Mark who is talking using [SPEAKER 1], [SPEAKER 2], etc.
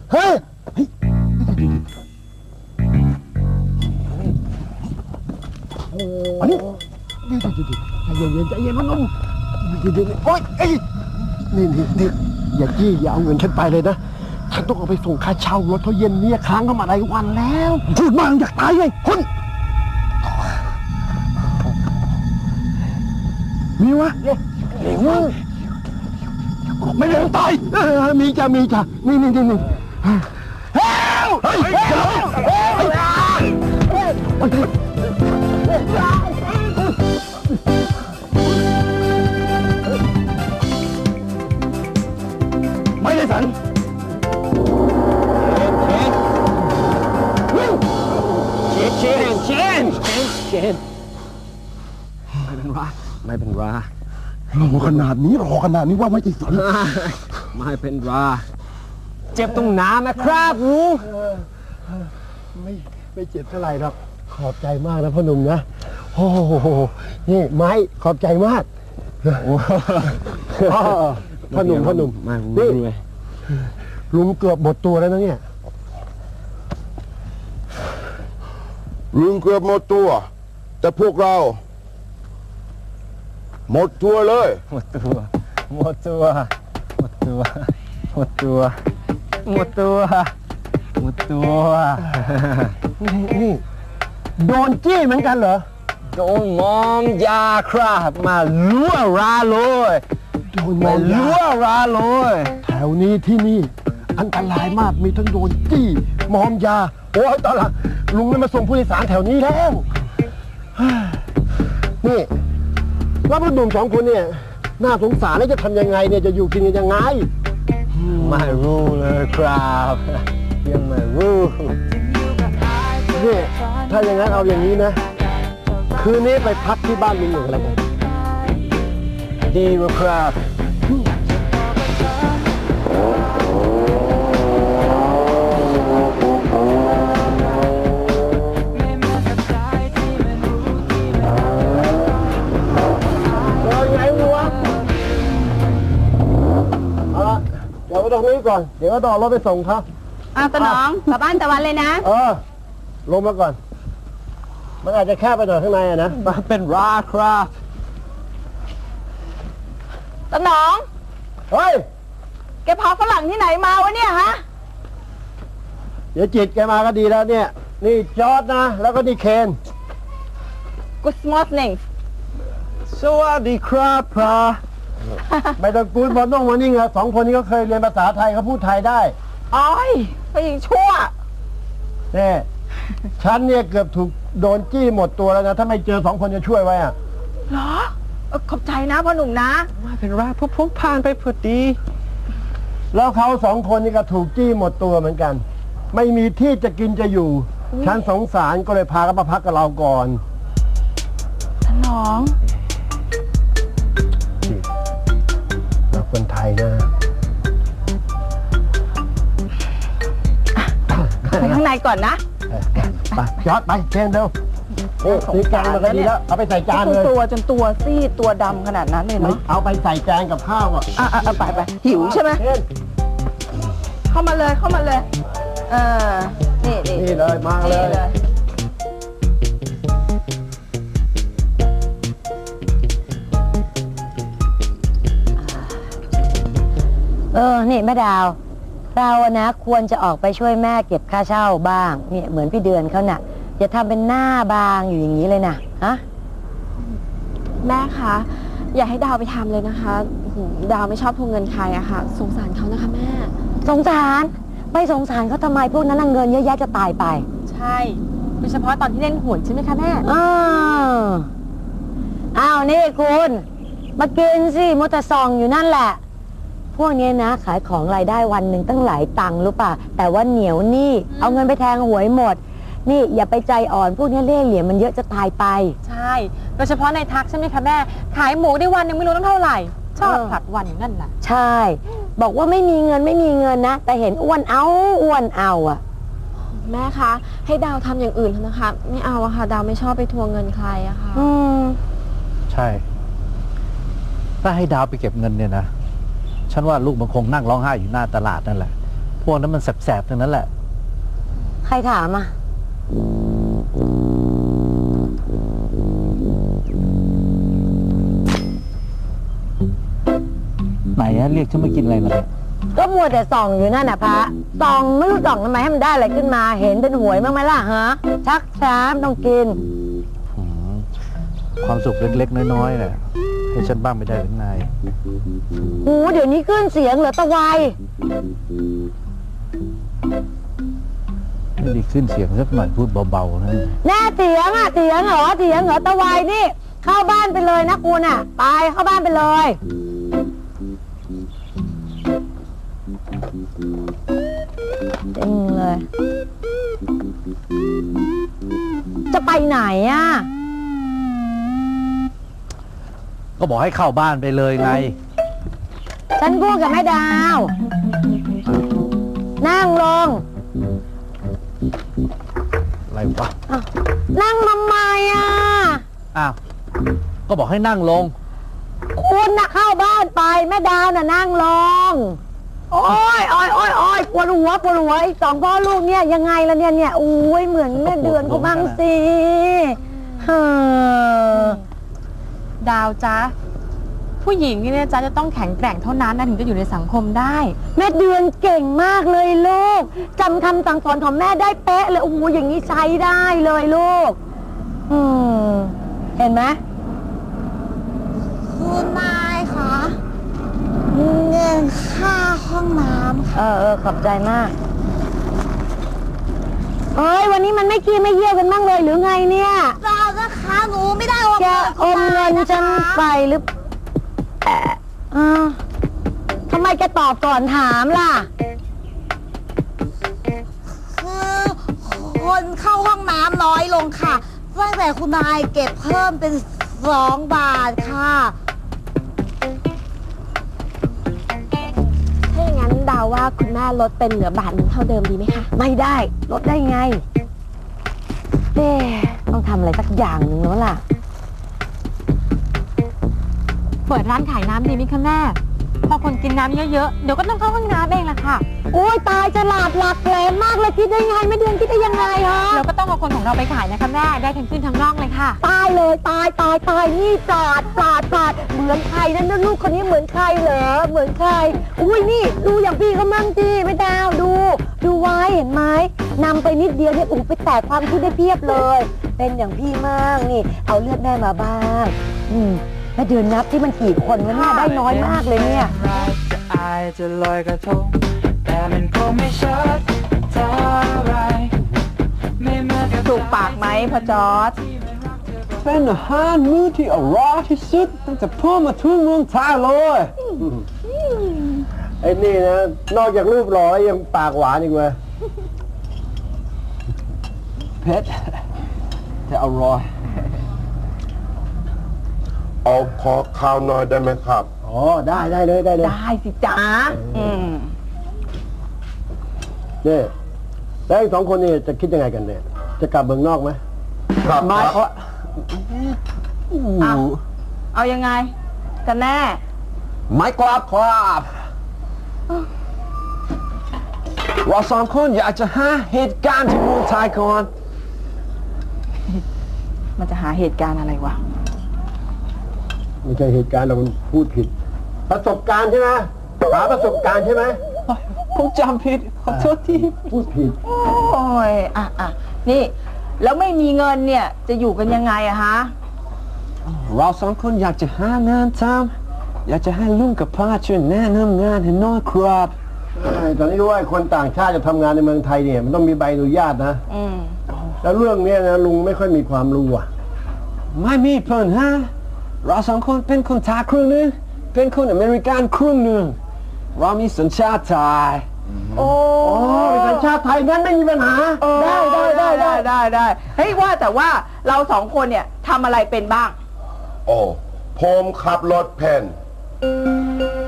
[SPEAKER 1] เฮ้ยอันนี้ใจเย็นใจเย็นพ่อหนุ่มโอ๊ยนี่อย่าจี้อย่าเอาเงินฉันไปเลยนะฉันต้องเอาไปส่งค่าเช่ารถเขาเย็นเนี่ยค้างเข้ามาหลายวันแล้วพูดมากอยากตายไงคุณมีวะไม่ได้ตายมีจ้ะนี่เฮ้ยไม่ได้สันเชนไม่เป็นไรรอขนาดนี้ว่าไม่ติดสันไม่เป็นไรเจ็บตรงน้ำนะครับลุงไม่เจ็บเท่าไหร่หรอกขอบใจมากนะพ่อหนุ่มนะโอ้โหนี่ไม้ขอบใจมากพ่อหนุ่มนี่ลุงเกือบหมดตัวแล้วนะเนี่ย
[SPEAKER 2] ลุงเกือบหมดตัวแต่พวกเราหมดตัวเลย
[SPEAKER 1] หมดตัวนี่โดนจี้เหมือนกันเหรอโดนมอมยาครับมาลั่วราเลยแถวนี้ที่นี่อันตรายมากมีทั้งโดนจี้มอมยาโอ้ยตอนหลังลุงไม่มาส่งผู้โดยสารแถวนี้แล้วนี่แล้วพ่อหนุ่มสองคนเนี่ยน่าสงสารแล้วจะทำยังไงเนี่ยจะอยู่กินกันยังไงไม่รู้เลยครับยังไม่รู้นี่ถ้าอย่างนั้นเอาอย่างนี้นะคืนนี้ไปพักที่บ้านลุงหนึ่งอะไรกันดีกว่าครับเดี๋ยวไปตรงนี้ก่อนเดี๋ยวก็ต้องรถไปส่งครับ
[SPEAKER 3] ตาหนองกลับบ้านตะวันเลยนะ
[SPEAKER 1] ลงมาก่อนมันอาจจะแคบไปหน่อยข้างในนะมันเป็นราครับ
[SPEAKER 3] ตาหนอง
[SPEAKER 1] เฮ้ย
[SPEAKER 3] แกพาฝรั่งที่ไหนมาวะเนี่ยฮะ
[SPEAKER 1] เดี๋ยวจิตแกมาก็ดีแล้วเนี่ยนี่จอร์ดนะแล้วก็นี่เคน
[SPEAKER 3] Good morning
[SPEAKER 1] สวัสดีครับพระไม่ต้องกูดบอลต้องมานี่ไงสองคนนี้ก็เคยเรียนภาษาไทยเขาพูดไทยได้
[SPEAKER 3] อ้อยไปยิงชั่ว
[SPEAKER 1] เนี่ยฉันเนี่ยเกือบถูกโดนจี้หมดตัวแล้วนะถ้าไม่เจอสองคนจะช่วยไว้อะ
[SPEAKER 3] เหรอขอบใจนะพ่อหนุ่มนะ
[SPEAKER 1] ไม่เป็นไรพวกผ่านไปพอดีแล้วเขาสองคนนี่ก็ถูกจี้หมดตัวเหมือนกันไม่มีที่จะกินจะอยู่ฉันสงสารก็เลยพาเขามาพักกับเราก่อน
[SPEAKER 3] ท่านน้อง
[SPEAKER 1] เราคนไทยนะ
[SPEAKER 3] ไปข้างในก่อนนะ
[SPEAKER 1] ไปจอดไปเชิญเร็วซื้อแกงมาก็ดีแล้วเอาไปใส่จานเลย
[SPEAKER 3] จนตัวซีดตัวดำขนาดนั้นเลยเนาะ
[SPEAKER 1] เอาไปใส่แกงกับข้าวอ่ะ
[SPEAKER 3] ไปหิวใช่ไหมเข้ามาเลย
[SPEAKER 1] นี่เลยมาเลย
[SPEAKER 4] นี่แม่ดาวเรานะควรจะออกไปช่วยแม่เก็บค่าเช่าบ้างเนี่ยเหมือนพี่เดือนเขาน่ะอย่าทำเป็นหน้าบางอยู่อย่างนี้เลยนะฮะ
[SPEAKER 5] แม่คะอย่าให้ดาวไปทำเลยนะคะดาวไม่ชอบทวงเงินใครอะค่ะสงสารเขานะคะแม่
[SPEAKER 4] สงสารไม่สงสารเขาทำไมพวกนั้นเงินเยอะแยะจะตายไป
[SPEAKER 5] ใช่โดยเฉพาะตอนที่เล่นหวยใช่ไหมคะแม่
[SPEAKER 4] อ้าวนี่คุณมากินสิมัวแต่ส่องอยู่นั่นแหละพวกนี้นะขายของรายได้วันหนึ่งตั้งหลายตังค์รู้ป่ะแต่ว่าเหนียวนี่เอาเงินไปแทงหวยหมดนี่อย่าไปใจอ่อนพวกนี้เล่ห์เหลี่ยมมันเยอะจะตายไป
[SPEAKER 5] ใช่โดยเฉพาะในทักใช่ไหมคะแม่ขายหมูได้วันนึงไม่รู้ต้องเท่าไหร่ชอบผลัดวันอย่างนั้นแหละ
[SPEAKER 4] ใช่บอกว่าไม่มีเงินนะแต่เห็นอ้วนเอาอะ
[SPEAKER 5] แม่คะให้ดาวทำอย่างอื่นเถอะนะคะไม่เอาอะค่ะดาวไม่ชอบไปทวงเงินใครอะค่ะ
[SPEAKER 6] ใช่ถ้าให้ดาวไปเก็บเงินเนี่ยนะฉันว่าลูกมันคงนั่งร้องไห้อยู่หน้าตลาดนั่นแหละพวกนั้นมันแสบๆทั้งนั้นแหละ
[SPEAKER 4] ใครถามอ่ะ
[SPEAKER 6] ไหนอะเรียกฉันมากินอะไรล่ะเนี่ย
[SPEAKER 4] ก็มัวแต่ส่องอยู่นั่นน่ะพระส่องไม่รู้ส่องทำไมให้มันได้อะไรขึ้นมา เห็นเป็นหวยบ้างไหมล่ะฮะ ชักช้ามต้องกิน
[SPEAKER 6] อืมความสุขเล็กๆน้อยๆน่ะให้ฉันบ้างไม่ได้หรือไง
[SPEAKER 4] หูเดี๋ยวนี้ขึ้นเสียงเหลือตะไว
[SPEAKER 6] ไม่ได้ขึ้นเสียงสักหน่อยพูดเบาๆนะ
[SPEAKER 4] แน่เถียงอ่ะเถียงเหรอเถียงเหรอตะไวนี่ เข้าบ้านไปเลยนะคุณอ่ะ ไปเข้าบ้านไปเลยจริงเลย จะไปไหนอ่ะ
[SPEAKER 6] ก็บอกให้เข้าบ้านไปเลยไง
[SPEAKER 4] ฉันพูดกับแม่ดาว นั่งลง
[SPEAKER 6] อะไรวะ
[SPEAKER 4] อ้าวนั่งทำไมอ่ะ
[SPEAKER 6] อ้าว ก็บอกให้นั่งลง
[SPEAKER 4] คุณน่ะเข้าบ้านไปแม่ดาวน่ะนั่งลง โอ้ยปวดหัวไอ้สองพ่อลูกเนี่ยยังไงล่ะเนี่ยอุ้ยเหมือนแม่เดือนเขาบ้างสิเฮ้อ
[SPEAKER 5] ดาวจ๊ะ ผู้หญิงเนี่ยจ๊ะจะต้องแข็งแกร่งเท่านั้นนะถึงจะอยู่ในสังคมได้
[SPEAKER 4] แม่เดือนเก่งมากเลยลูกจำคำสั่งสอนของแม่ได้เป๊ะเลยโอ้โหอย่างนี้ใช้ได้เลยลูกเห็นไหม
[SPEAKER 3] คุณนายคะเงินค่าห้องน้ำ
[SPEAKER 4] ขอบใจมากเอ้ยวันนี้มันไม่ขี้ไม่เยี่ยวกันบ้างเลยหรือไงเนี่ย
[SPEAKER 3] ดาวนะคะหนูไม่ได้อม
[SPEAKER 4] แกอมเงินฉันไปหรือทำไมแกตอบก่อนถามล่ะ
[SPEAKER 3] คือคนเข้าห้องน้ำน้อยลงค่ะตั้งแต่คุณนายเก็บเพิ่มเป็น2 บาทค่ะ
[SPEAKER 5] ถ้าอย่างนั้นดาวว่าคุณแม่ลดเป็นเหลือบาทหนึงเท่าเดิมดีไหมคะ
[SPEAKER 4] ไม่ได้ลดได้ไงต้องทำอะไรสักอย่างหนึ่งแล้วล่ะ
[SPEAKER 5] เปิดร้านขายน้ำดีไหมคะแม่ พอคนกินน้ำเยอะๆ เดี๋ยวก็ต้องเข้าห้องน้ำเองละค่ะ
[SPEAKER 4] โอ้ยตายฉลาดหลักแหลมมากเลยคิดได้ไงไม่เดือนคิดได้ยังไงฮะ
[SPEAKER 5] เราก็ต้องเอาคนของเราไปขายนะคะแม่ ได้ทั้งขึ้นทั้งล่องเลยค่ะ
[SPEAKER 4] ตายเลยตายนี่ปราดเหมือนใครนั่นลูกคนนี้เหมือนใครเหรอเหมือนใครอุ้ยนี่ดูอย่างพี่เขามั่งจีไม่ดาวดูไว้เห็นไหมนำไปนิดเดียวเนี่ยไปแตกความคิดได้เพียบเลย เป็นอย่างพี่มั่งนี่เอาเลือดแม่มาบ้างแม่เดือนนับที่มันกี่คนวะเนี่ยได้น้อยมากเลยเนี่ย
[SPEAKER 7] จะอายจะลอยกระทงแต่มันคงไม่ชัดเท่าไรไม่เหมือนกับ
[SPEAKER 3] ถูกปากไหมพ่อจอร์จ
[SPEAKER 1] เป็นอาหารมื้อที่อร่อยที่สุดตั้งแต่พ่อมาถึงเมืองไทยเลยไอ้นี่นะนอกจากรูปหล่อยังปากหวานอีกเว้ยเผ็ดแต่อร่อย
[SPEAKER 2] เอาขอข้าวหน่อยได้ไหมครับ
[SPEAKER 1] อ๋อได้เลย
[SPEAKER 3] ได้สิจ๊ะ
[SPEAKER 1] นี่แล้วอีก2 คนนี่จะคิดยังไงกันเนี่ยจะกลับเมืองนอกไหม
[SPEAKER 2] ครับ
[SPEAKER 1] ไม่
[SPEAKER 2] ครับ
[SPEAKER 3] เอายังไงกันแน่
[SPEAKER 1] ไม่กลับครับเรา2 คนอยากจะหาเหตุการณ์ที่เมืองไทยก่อน
[SPEAKER 3] มันจะหาเหตุการณ์อะไรวะ
[SPEAKER 1] ไม่ใช่เหตุการณ์เรามันพูดผิด ประสบการณ์ใช่ไหมหาประสบการณ์ใช่ไหม
[SPEAKER 7] ผมจำผิดขอโทษที
[SPEAKER 1] พูดผิด
[SPEAKER 3] โอ้ยนี่ แล้วไม่มีเงินเนี่ย จะอยู่กันยังไงอะฮะ
[SPEAKER 1] เรา2 คนอยากจะหางานทำอยากจะให้ลุงกับป้าช่วยแนะนำงานให้น้อยครับตอนนี้รู้ว่าคนต่างชาติจะทำงานในเมืองไทยเนี่ยมันต้องมีใบอนุญาตนะแล้วเรื่องเนี้ยนะลุงไม่ค่อยมีความรู้อ่ะไม่มีเพิ่นฮะเรา2 คนเป็นคนไทยครึ่งหนึงเป็นคนอเมริกันครึ่งหนึงเรามีสัญชาติไทยโอ้เป็นสัญชาติไทยงั้นไม่มีปัญหาได้
[SPEAKER 3] เฮ้ยว่าแต่ว่าเรา2 คนเนี่ยทำอะไรเป็นบ้าง
[SPEAKER 2] โอ้ผมขับรถเพน